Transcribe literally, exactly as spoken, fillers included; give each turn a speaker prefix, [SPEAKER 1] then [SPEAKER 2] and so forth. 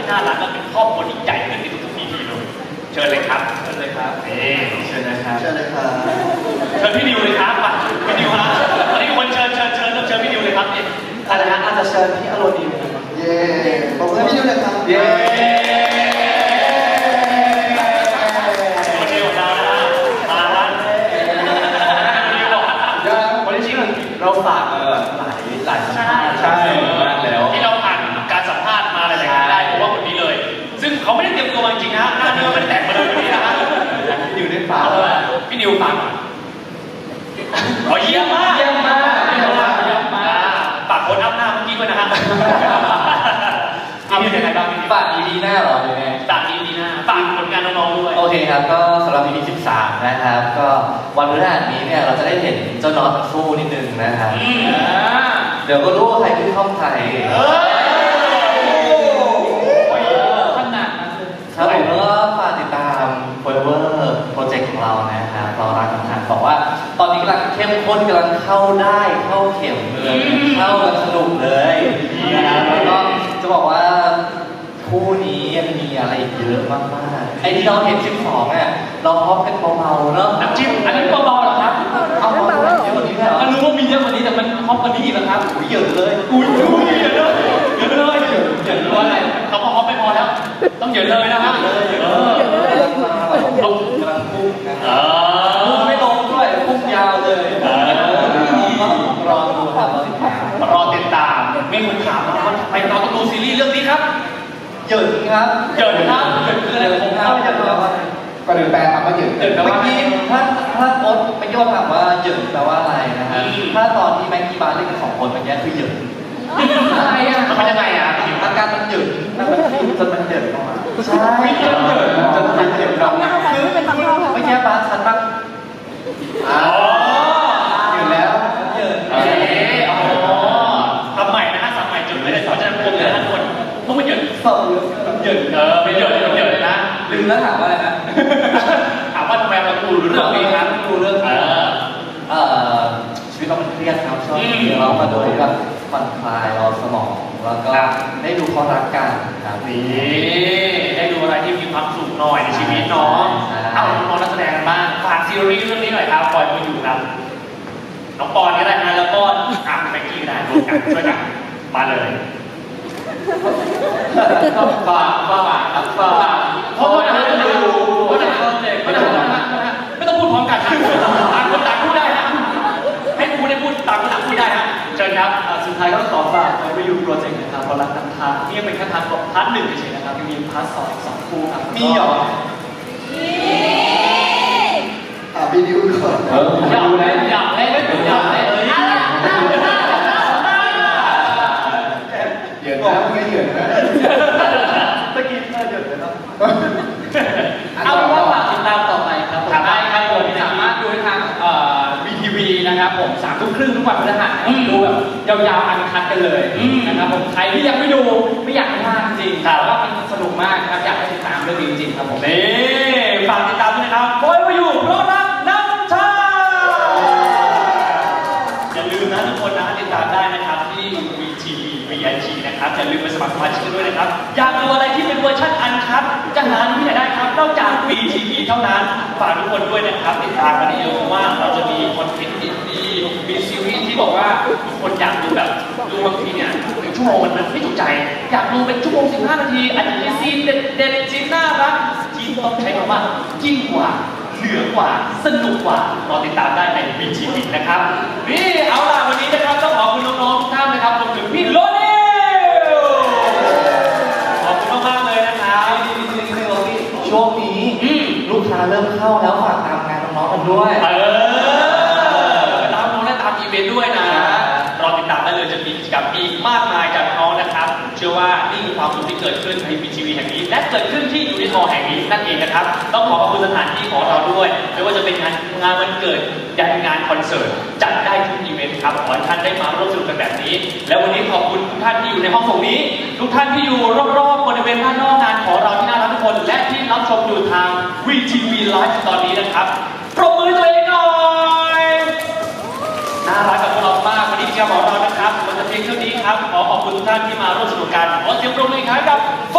[SPEAKER 1] น่ารักและเป็นครอบครัวที่ใหญ่ขึ้นในทุกๆ อี พี เลยเชิญเลยครับเชิญเลยครับนี่เชิญนะครับ
[SPEAKER 2] เชิญเลยครับ
[SPEAKER 1] เชิญพี่นิวเลยครับมาพี่นิวฮะตอนนี้คนเชิญเชิญเชิญเชิญพี่นิวเลยครับนี่อะไรนะอาจจะเชิญพี่อโรนิว
[SPEAKER 2] เย้ผมให้พี่นิวเลยครับ
[SPEAKER 1] เย้คนเดียวนะมาละนิวบอกวันนี้จริงเราฝากหลายหลายสัมภาษณ์ใช่มากแล้วที่เราผ่านการสัมภาษณ์มาหลายๆได้เพราะว่าคนนี้เลยซึ่งเขาไม่ได้เตรียมตัวจริงนะหน้าเนื้อมันแตกมาเลยวันนี้นะฮะ
[SPEAKER 2] พี่นิวได้ฝาก
[SPEAKER 1] พี่นิวฝากอ๋อเยี่ยมมาก
[SPEAKER 3] เยี่ยมมากเยี่ยมมากเยี่ยมมาก
[SPEAKER 1] ฝากคนอัพหน้าเมื่อกี้ด้วยนะฮะเอาเป็นยังไงบ้าง
[SPEAKER 3] ฝาก อี พี หน้าเหรอหรือไง
[SPEAKER 1] ฝาก อี พี หน้าฝากผลงานน้องๆด้วย
[SPEAKER 3] โอเคครับก็สำหรับ อี พี สิบสามนะครับก็วันพฤหัสนี้เนี่ยเราจะได้เห็นเจ้าน็อตสู้นิดนึงนะครับเดี๋ยวก็รู้ว่าใครคือช่องใครขนาดนั้นเลยครับผมก็ฝากติดตาม Forever Project ของเรานะครับเรารักกันทางบอกว่าตอนนี้กำลังเข้มข้นกำลังเข้าได้เข้าเข็มเลยเข้ากันสนุกเลยนะครับแล้วก็จะบอกว่าคู่นี้ยังมีอะไรอีกเยอะมากๆไอ้ที่เราเห็นสิบสองอ่ะเราพร้อมกันเบาๆเนาะ
[SPEAKER 1] น้ำจิ้มอันนี้เบาๆเหรอครับ
[SPEAKER 3] เอาเบาๆเยอะกว่านี้ไหม
[SPEAKER 1] ก็รู้ว่ามีเยอะกว่านี้แต่มันพร้อมกว่านี้อีกแล้วครับ
[SPEAKER 3] อุ้ยเยอะเลย
[SPEAKER 1] อุ้ยอุ้ยเยอะเลยเยอะเลยเยอะเยอะเลยอะไรเขาพอไม่พอแล้วต้องเยอะเลยนะครับเออ
[SPEAKER 3] ลงกำลังพุ่งนะ
[SPEAKER 1] เออ
[SPEAKER 3] พุ่งไม่ลงด้วยพุ่งยาวเลยรอดูครับ
[SPEAKER 1] รอติดตามมีคนถามว่าไปเราต้องดูซีรีส์เรื่องนี้ครับ
[SPEAKER 3] เหยินครับ
[SPEAKER 1] เหยินครับเหยินคืออะไรผมเข้าใจแล้วว่า
[SPEAKER 2] ก็เดินแปลคำว่าเหยิน
[SPEAKER 3] เหยินเมื่อกี้ถ้าถ้าโค้ชไปโยนถามว่าเหยินแปลว่าอะไรนะครับถ้าตอนที่แม็กกี้บาร์เล่นกันสองคนเมื่อกี้คือเหยิน
[SPEAKER 1] อะไรอ่ะมันเป็นยังไงอ่ะ
[SPEAKER 3] อาการมันเหยินมันจนมันเหยินออกมา
[SPEAKER 1] ใช่เหยิน
[SPEAKER 3] จนมันเหยินออกมาคือเมื่อกี้บาร์ชัดมาก
[SPEAKER 1] อ๋อ
[SPEAKER 3] เหยินแล้วเหยิน
[SPEAKER 1] เอออ๋อทำใหม่นะฮะทำใหม่จุดไม่ได้สอนจะพวกเลยทุกคนพวกมันเหยิน
[SPEAKER 3] สอบเหยิน
[SPEAKER 1] เออไม่เหยินไม่เหยินนะ
[SPEAKER 3] ลืมแล้วถามว่าอะไรนะ
[SPEAKER 1] ถามว่าทำไมเราดูเรื่องนี้ครับ
[SPEAKER 3] ดูเรื่องเออเอ่อชีวิตเรามันเครียดครับช่วงนี้เรามาดูแบบผ่อนคลายเราสมองแล้วก็ได้ดูเขารักกันครับ
[SPEAKER 1] นี่ได้ดูอะไรที่มีความสุขหน่อยในชีวิตน้องเอาน้องนักแสดงกันบ้างฝากซีรีส์เรื่องนี้หน่อยครับปล่อยมาอยู่ครับน้องปอนก็ได้นะแล้วก็อ่ะแม็กกี้ได้ร่วมกันช่วยกันมาเลย
[SPEAKER 3] ฝากฝากฝาก
[SPEAKER 1] เพราะว่าไม่ต้องดูไม่ต้องไม่ต้องไม่ต้องพูดพร้อมกันนะต่างคนต่างพูดได้นะให้ครูได้พูดต่างคนต่างพูดได้ฮะเชิญครับ
[SPEAKER 3] สุดท้ายก็ขอฝากไว้ไปอยู่โปรเจกต์นะครับเพราะรักกันทางนี่ยังเป็นแค่พาร์ทพาร์ทหนึ่งเฉยๆนะครับยังมีพาร์ทสองสองคู่ครับ
[SPEAKER 1] มีเหรอ
[SPEAKER 2] อ่ะพี่นิวก่อน
[SPEAKER 1] เอออยากเล่นอยากเล่นอยากเล่นเลย
[SPEAKER 2] เหยินนะไม่เหยินนะ
[SPEAKER 3] ตะกี้น่าเหยินเลยเนาะ
[SPEAKER 1] เอาเป็นว่าฝากติดตามต่อไปครับผม
[SPEAKER 3] ได้ครับผมสามารถดูได้ทางเอ่อ วี ที วี นะครับผมสามทุ่มครึ่งทุกวันพฤหัสดูแบบยาวๆอันคัดกันเลยนะครับผมใครที่ยังไม่ดูไม่อยากพลาดจริงแต่ว่ามันสนุกมากครับอยากให้ติดตามเรื่องนี้จริงๆครับผม
[SPEAKER 1] นี่ฝากติดตามด้วยนะครับบอยมาอยู่เพราะรักน้ำชาอย่าลืมนะทุกคนนะติดตามได้นะครับที่ วี ที วี วี ไอ จี นะครับอย่าลืมไปสมัครสมาชิกกันด้วยนะครับอยากดูอะไรที่เป็นเวอร์ชันอันคัทจะหาที่ไหนได้ครับนอกจาก วี ที วี เท่านั้นฝากทุกคนด้วยนะครับติดตามกันเยอะว่าเราจะมีคอนเทนต์ดีๆมีซีรีส์ที่บอกว่าทุกคนอยากดูแบบดูบางทีเนี่ยหนึ่งชั่วโมงมันไม่ถูกใจอยากดูเป็นชั่วโมงสิบห้านาทีอาจจะมีซีนเด็ดๆซีนน่ารักที่ต้องใช้คำว่ายิ่งกว่าเหนือกว่าสนุกกว่ารอติดตามได้ใน วี ที วี นะครับนี่เอาล่ะวันนี้นะครับต้องขอบคุณน้องๆทุกท่านนะครับรวมถึงพี่โรนิวขอบคุณมากๆเลยนะครับ
[SPEAKER 3] ช่วงนี้ลูกค้าเริ่มเข้าแล้วฝากตามงานน้องๆกันด้วย
[SPEAKER 1] เออตามน้องและตามอีเวนต์ด้วยนะรอติดตามได้เลยจะมีกิจกรรมอีกมากมายจากน้องนะครับเชื่อว่านี่คือความสุขที่เกิดขึ้นใน วี ที วี แห่งนี้และเกิดขึ้นที่ยูนิคอร์แห่งนี้นั่นเองนะครับต้องขอขอบคุณสถานที่ของเราด้วยไม่ว่าจะเป็นงานงานวันเกิดยันงานคอนเสิร์ตจัดได้ทุกอีเวนต์ครับขอให้ท่านได้มาร่วมสนุกกันแบบนี้และวันนี้ขอบคุณทุกท่านที่อยู่ในห้องส่งนี้ทุกท่านที่อยู่รอบๆบริเวณด้านนอกงานของเราที่น่ารักทุกคนและที่รับชมอยู่ทาง วี ที วี Live ตอนนี้นะครับปรบมือตัวเองหน่อยน่ารักกับพวกเรามากวันนี้กิจกรรมของเรานะครับมันจะเพียงเท่านี้ครับขอขอบคุณทุกท่านที่มาร่วมสนุกกันขอเสียงปรบมืออีกครั้งกับโฟ